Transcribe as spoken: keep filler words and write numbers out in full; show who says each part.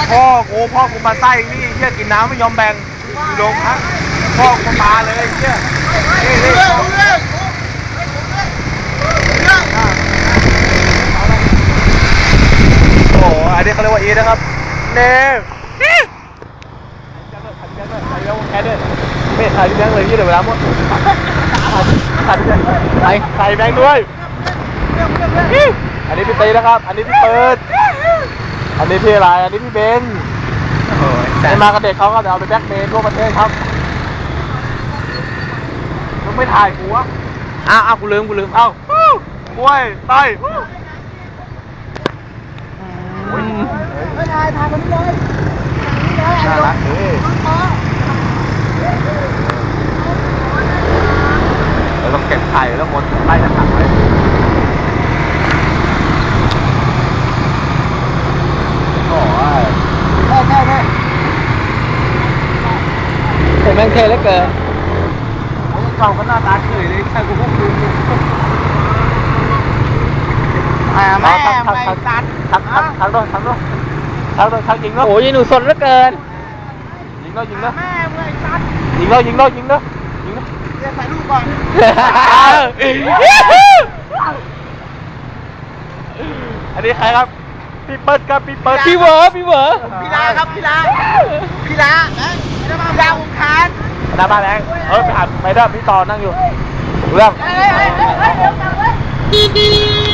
Speaker 1: พ่อกูพ่อกูมาไส้นี่เหี้ยกินน้ำไม่ยอมแบ่งลงฮะพ่อกูมาเลยเหี้ยโอ้อันนี้เขาเรียกว่าอีนะครับเน่แค่ด้วยไม่ถ่ายที่แบงค์เลยยี่เดี๋ยวเวลาหมดถ่ายถ่ายถ่ายแบงค์ด้วยอันนี้พี่ตีนะครับอันนี้พี่เปิดอันนี้พี่อะไรอันนี้พี่เบนไอ้มากับเด็กเขาก็จะเอาไปแบล็คเมย์ทั่วประเทศครับมึงไม่ถ่ายกูวะอ้าวอ้าวกูลืมกูลืมเอ้าบวยไต้
Speaker 2: ไม่ถ่ายถ่ายคนนี้เลย
Speaker 1: น่ารักดิเราต้องเก็บไข่แล้วหมดไล่กระถางไว้โอ้ย
Speaker 2: แค่แค่แค่
Speaker 1: เห็นแม่งเท่เหลือเกินโอ้ยกล่องก็หน้าตาเฉยเลยใช่กูพวกดู
Speaker 2: อ่าแม่ไม่ตัด
Speaker 1: ทักทักทักด้วยทักด้วยทักด้วยทักยิงเนาะ
Speaker 3: โอ้ยหนูสดเหลือเกิน
Speaker 1: ยิงเนาะยิงเนาะ
Speaker 2: แม่ไม่ตัด
Speaker 1: ยิงเนาะยิงเนาะยิงเนาะยิงเนาะ
Speaker 2: เดี๋ยวถ่ายรูปก่อน
Speaker 1: อันนี้ใครครับพี่เปิ้ลครับพี่เปิ้ล
Speaker 3: พี่เวอร์พี่เวอร์
Speaker 2: พี่ลาครับพี่ลาพี่ลาพี่ลาวงคาน
Speaker 1: หน้าบ้านแรงเออไปหาไปเด้อพี่ต่อนั่งอยู่เรื่อง
Speaker 2: เฮ้ยเฮ้ยเฮ้ยเดี๋ยวกลับเลย